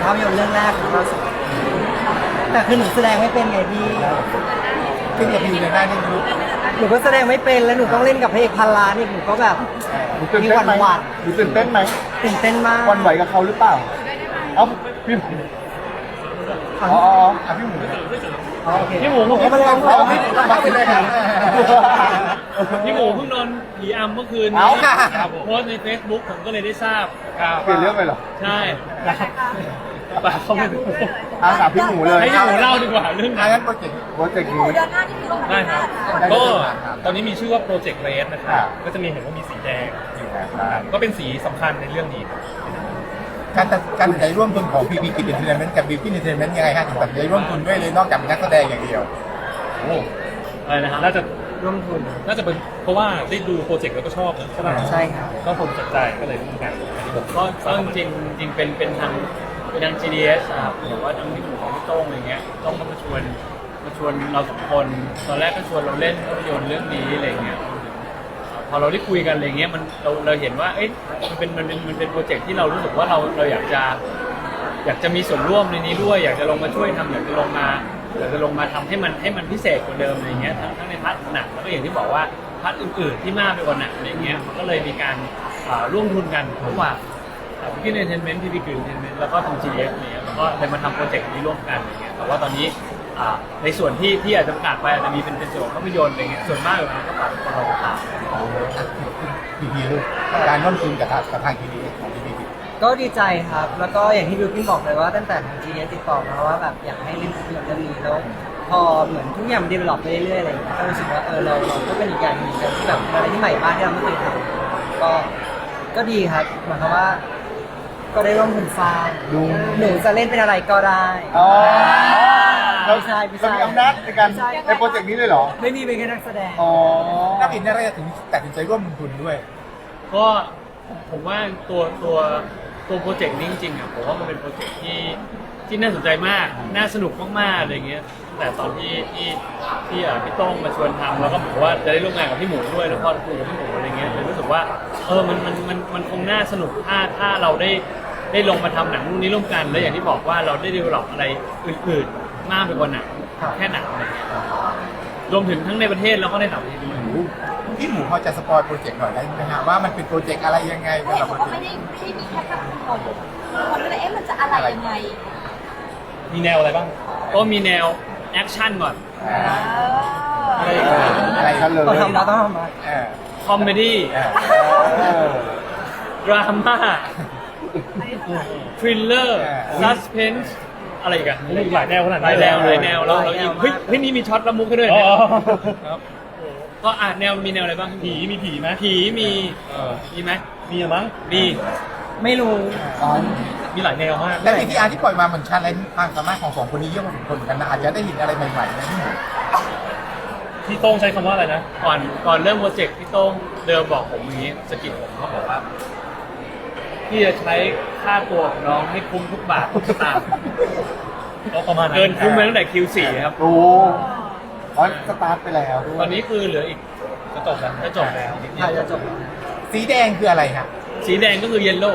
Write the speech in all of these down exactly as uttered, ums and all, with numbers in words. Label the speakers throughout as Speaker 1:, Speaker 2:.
Speaker 1: ภาพยนตร์เรื่องแรกของเราสองคนแต่คือหนูแสดงไม่เป็นไงพี่
Speaker 2: ขึ้นกับพิวในหน้าที่รู้
Speaker 1: หนูก็แสดงไม่เป็นแล้วหนูต้องเล่นกับพระเอกพันล้านนี่หนูก็แบบ
Speaker 2: หนูตื่นเต้นไหม
Speaker 1: หวาน
Speaker 2: หนูตื่นเต้นไหม
Speaker 1: ๆตื่นเต้นมาก
Speaker 2: วันไหวกับเขาหรือเปล่าเอ้าพี่หมูอ๋ออ๋ออ่ะพี่หมู
Speaker 1: อ๋อโอเค
Speaker 3: พี่หมู
Speaker 1: ผมก็มาลอง
Speaker 2: เอาพี่มาขึ้นได้ครับ
Speaker 3: พี่หมูเพิ่งโดนผีอำเมื่อคืน
Speaker 2: เอา
Speaker 3: นี้
Speaker 2: ค่ะ
Speaker 3: โพสต์ใน Facebook ผมก็เลยได้ทราบ
Speaker 2: เปลี่ยนเรื่องไปเหรอ
Speaker 3: ใช่ปากเขาไม่รู้
Speaker 2: อาสาพี่หมูเลย
Speaker 3: ให้พี่หมูเล่าดีกว่าเรื่อง
Speaker 2: อ่ะ
Speaker 3: นั้น
Speaker 2: งั้นโปรเจกต์โปรเจกต์นี้
Speaker 4: เดือนหน้าที่คือลง
Speaker 3: ได้ครับ
Speaker 2: ได้
Speaker 3: ก็
Speaker 2: ครับ
Speaker 3: ตอนนี้มีชื่อว่าโปรเจกต์เรสนะค
Speaker 2: ครั
Speaker 3: รับ
Speaker 2: บ
Speaker 3: ก็จะมีเห็นว่ามีสีแดงอยู่
Speaker 2: ครับ
Speaker 3: ก็เป็นสีสำคัญในเรื่องนี้ครับ
Speaker 2: การตัดการตัดใจร่วมทุนของ พี พี Kids Entertainment กับ Beauty Entertainment ยังไงฮะถึงตัดใจร่วมทุนด้วยเลยนอกจากเป็นนักแสดงอย่างเดียว
Speaker 3: โอ้อะไรนะครับน่าจะ
Speaker 1: ร่วมทุน
Speaker 3: น่าจะเป็นเพราะว่าได้ดูโปรเจกต์แล้วก็ชอบนะใช่ไหม
Speaker 1: ใช่ครับ
Speaker 3: ก็ผมสนใจก็เลยร่วมกันอันนี้ผม
Speaker 5: ก็ก็จริงๆจริงเป็นเป็นทางเป็นทาง จี ดี เอส ครับหรือว่าทางที่ของพี่โต้งอะไรเงี้ยต้องมาชวนมาชวนเราสองคนตอนแรกก็ชวนเราเล่นภาพยนตร์เรื่องนี้อะไรเงี้ยพอเราได้คุยกันอะไรเงี้ยมันเราเราเห็นว่าเอ๊ะมันเป็นมันเป็นมันเป็นโปรเจกต์ที่เรารู้สึกว่าเราเราอยากจะอยากจะมีส่วนร่วมในนี้ด้วย อยากจะลงมาช่วยทำอยากจะลงมาอยากจะลงมาทำให้มันให้มันพิเศษกว่าเดิมอะไรเงี้ยทั้งทั้งในพาร์ทหนังแล้วก็อย่างที่บอกว่าพาร์ทอื่นๆที่มากไปกว่าหนังอะไรเงี้ยมันก็เลยมีการอ่าร่วมทุนกันระหว่าง พี่เอนเตอร์เทนเมนต์พี่พีกรีนเอนเตอร์เทนเมนต์แล้วก็ทาง จี ดี เอส เนี่ยแล้วก็เลยมาทำโปรเจกต์นี้ร่วมกันอะไรเงี้ยแต่ว่าตอนนี้อ่าในส่วนที่ที่อาจจะประกาศไปอาจจะมีเป็นเป็นส่วนของภาพยนตร์อะไรเงี้ยส่วนมากเลยก็ฝากคนเราตาม
Speaker 2: พีพีลูกการร่วมทุนกับทางกับทาง ที ดี เอส ของ พี พี Kids
Speaker 1: ก็ดีใจครับ แล้วก็อย่างที่บิวกิ้นบอกเลยว่าตั้งแต่ทาง จี ดี เอส ติดต่อมาว่าแบบอยากให้เล่นภาพยนตร์เรื่องนี้แล้วพอเหมือนทุกอย่างมันดีเวล็อปไปเรื่อยๆอะไรอย่างเงี้ยก็รู้สึกว่าเออเราเราก็เป็นอีกอย่างหนึ่งที่แบบเป็นอะไรที่ใหม่มากที่เราไม่เคยทำก็ก็ดีครับหมายความว่า ก็ได้ร่วมทุนสร้าง
Speaker 2: ดู
Speaker 1: หนูจะเล่นเป็นอะไรก็ได้
Speaker 2: อ๋อ
Speaker 1: ไม่ใช่ไม่ใช่
Speaker 2: เรามีอำนาจในการในโปรเจกต์นี้เลยเหรอ
Speaker 1: ไม่มีเป็นแค่นักแสดง
Speaker 2: อ๋อนักอินอะไรถึงตัดสินใจร่วมลงทุนด้วย
Speaker 5: ก็ผมว่าตัวตัวตัวโปรเจกต์นี้จริงๆอ่ะผมว่ามันเป็นโปรเจกต์ที่ที่น่าสนใจมากน่าสนุกมากๆอะไรเงี้ยแต่ตอนที่ที่ที่อ่ะพี่โต้งมาชวนทำแล้วก็บอกว่าจะได้ร่วมงานกับพี่หมูด้วยแล้วพอคุยกับพี่หมูอะไรเงี้ยเลยรู้สึกว่าเออมันมันมันมันคงน่าสนุกถ้าถ้าเราได้ได้ลงมาทำหนังเรื่องนี้ร่วมกันแล้วอย่างที่บอกว่าเราได้ดีลลอปอะไรอื่นๆมากไปกว่าหนัง
Speaker 1: ครับ
Speaker 5: แค่หนังอะไรเงี้ยรวมถึงทั้งในประเทศแล้วก็ในต่างประเทศด้วย
Speaker 2: พี่หมูพอจะสปอยโปรเจกต์หน่อยได้ไหมฮะว่ามันเป็นโปรเจกต์อะไรยังไง
Speaker 4: เขา
Speaker 2: สำห
Speaker 4: เห็
Speaker 2: รั
Speaker 4: น
Speaker 2: บโปร
Speaker 4: ว่า
Speaker 2: เจก
Speaker 4: ไม่
Speaker 2: ต์
Speaker 4: ได้ไม่ได้มีแค่กับคนคนก็เลยเอ๊ะมันจะอะไรยังไง
Speaker 3: มีแนวอะไรบ้าง
Speaker 5: ก็มีแนวแอคชั่นก่อน
Speaker 2: อ่า
Speaker 5: อะไรอย่างเงี้ย
Speaker 2: อะไรกันเลย
Speaker 1: ต้องทำมาต้องทำมา
Speaker 2: เออ
Speaker 5: คอมเมดี้
Speaker 2: เออเออ
Speaker 5: ดราม่าทริลเลอร์
Speaker 2: อ่า
Speaker 5: ซัสเพนส์อะไรอีกัน
Speaker 3: มีหลายแนวขนาด
Speaker 5: ห
Speaker 3: นั้
Speaker 5: ลาน ยแนวเลยแนวแล้วเรายิงเฮ้ยเฮ้ยนี่มีช็อตละมุกให้ด้วย
Speaker 3: อ๋อ
Speaker 5: เนี่ยครับก็อ่ะแนวมีแนวอะไรบ้าง
Speaker 3: ผีมีผีไหม
Speaker 5: ผีมี
Speaker 3: เออ
Speaker 5: มีไหม
Speaker 3: มีอะมั้ง
Speaker 5: มี
Speaker 1: ไม่รู้
Speaker 2: อ๋อ
Speaker 3: มีหลายแนวมาก
Speaker 2: และที่อาร์ที่ปล่อยมาเหมือนชาเลนจ์ความสามารถของสองคนนี้เยอะพอสมควรเหมือนกันนะอาจจะได้เห็นอะไรใหม่ๆนะพี่หมู
Speaker 3: พี่โต้งใช้คำว่าอะไรนะ
Speaker 5: ก่อนก่อนเริ่มโปรเจกต์พี่โต้งเดิมบอกผมอย่างนี้สะกิดผมเขาบอกว่าพี่จะใช้ค่าตัวของน้องให้คุ้มทุกบาททุกสตางค์
Speaker 3: ก็ประมาณนั้น
Speaker 5: เกินคุ้มไปตั้งแต่ คิว โฟร์ ครับ
Speaker 2: โอ้อ๋อสตาร์ทไปแล้วด้วย
Speaker 5: ตอนนี้คือเหลืออีก
Speaker 3: จะจบแล้ว
Speaker 5: จะจบแล้ว
Speaker 1: ถ่ายจะจบ
Speaker 2: สีแดงคืออะไรครับ
Speaker 5: สีแดงก็คือเยลโล่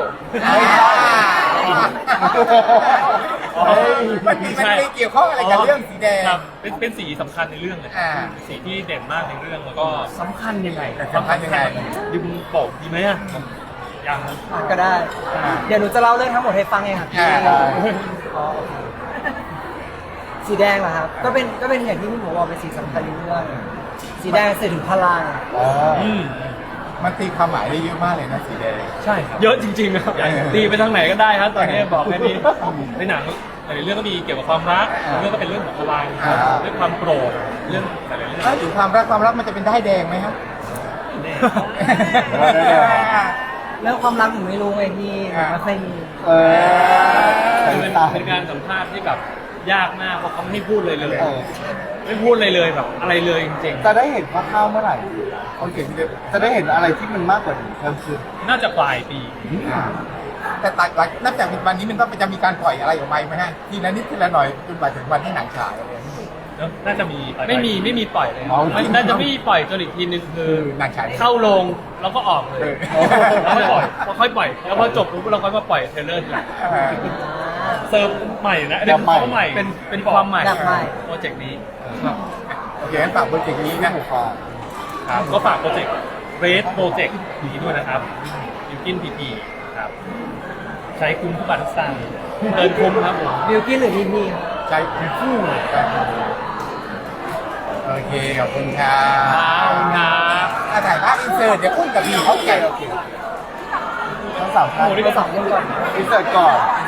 Speaker 2: มันมีมันไม่เกี่ยวข้องอะไรกับเรื่องสีแดง
Speaker 3: ครับเป็นเป็นสีสำคัญในเรื่องเลย
Speaker 2: อ่า
Speaker 3: สีที่เด่นมากในเรื่องแล้วก็
Speaker 5: สำคัญยังไง
Speaker 2: สำคัญยังไง
Speaker 3: ดิมบอกดีไหมอะยังนะ
Speaker 1: อ่ะก็ได้ เดี๋ยวหนูจะเล่าเรื่องทั้งหมดให้ฟังเองครับพี่
Speaker 2: อ่า
Speaker 1: อ๋อโอเคสีแดงเหรอครับ ก็เป็นก็เป็นอย่างที่พี่หมูบอกเป็นสีสำคัญในเรื่องสีแดงสื่อถึงพลัง
Speaker 2: อ๋อ
Speaker 3: อืม
Speaker 2: มันตีความหมายได้เยอะมากเลยนะสีแดง
Speaker 3: ใช่ครับ
Speaker 5: เยอะจริงๆครับ
Speaker 2: เออ
Speaker 5: ตีไปทางไหนก็ได้ครับตอนนี้บอกแค่นี้
Speaker 3: ในหนังหลายๆเรื่องก็มีเกี่ยวกับความรัก
Speaker 2: อ่า
Speaker 3: เรื่องก็เป็นเรื่องของพลัง
Speaker 2: อ่า
Speaker 3: เรื่องความโกรธเรื่องหลายๆเรื่อง
Speaker 2: ถ้าถึงความรักความรักมันจะเป็นได้ายแดงไหมครับ
Speaker 3: แน่
Speaker 1: เรื่องความรักหนูไม่รู้ไงพี่หนูไม่เคยมี
Speaker 2: เออ
Speaker 5: คือเป็นเป็นการสัมภาษณ์ที่แบบยากมากเพราะเขาไม่พูดเลยเลย
Speaker 2: เออ
Speaker 5: ไม่พูดเลยเลยแบบอะไรเลยจริง
Speaker 2: จะได้เห็นคร่าวๆเมื่อไหร่โอเคจะได้เห็นอะไรที่มันมากกว่านี้เพิ่มขึ้น
Speaker 5: ๆ น่าจะปลายปี
Speaker 2: แต่ตัดหลังนับจากวันนี้มันต้องจะมีการปล่อยอะไรออกมาไหมฮะทีละนิดทีละหน่อยจนกว่าถึงวันที่หนังฉายอะไรอย่างเงี้ย
Speaker 3: แล้วน่าจะมีปลายๆ
Speaker 5: ไม่มีไม่มีปล่อยเลย
Speaker 2: อ๋อ
Speaker 5: ไม่น่าจะไม่มีปล่อยจนอีกทีนึงคือ
Speaker 2: หนังฉาย
Speaker 5: เข้าโรงแล้วก็ออกเลย
Speaker 2: เออ
Speaker 5: แล้วค่อยปล่อยพอค่อยปล่อยแล้วพอจบปุ๊บเราค่อยมาปล่อยเทรลเลอร์ทีหลัง
Speaker 2: อ่า
Speaker 1: ส
Speaker 3: เซิร์ฟใหม่นะอันนี้คือเขาใหม่
Speaker 5: เป็นเป็นความใหม่
Speaker 1: แบบใหม่
Speaker 5: โปรเจกต์นี้
Speaker 2: โอเคงั้นฝากโปรเจกต์นี้นะ
Speaker 3: ครับก็ฝากโปรเจกต์เรสโปรเจกต์นี้ด้วยนะครับยูกินพีพีครับใช้คุ้มทุกบาททุกสตางค์เดินคุ้มครับผม
Speaker 1: บิวกิ้นหรือพีพี
Speaker 2: ใจคู่โอเคขอบคุณครั
Speaker 5: ขอบคุณครับ
Speaker 2: อ่ะถ่ายภาพอินเสิร์ตเดี๋ยวอุ้มกับพี่เขาแก่ทั้งสามท่าน
Speaker 3: โอ้โหนี่
Speaker 1: ไป
Speaker 3: ก็
Speaker 1: สองเรื่องก่อน
Speaker 2: อินเสิร์ตก่อน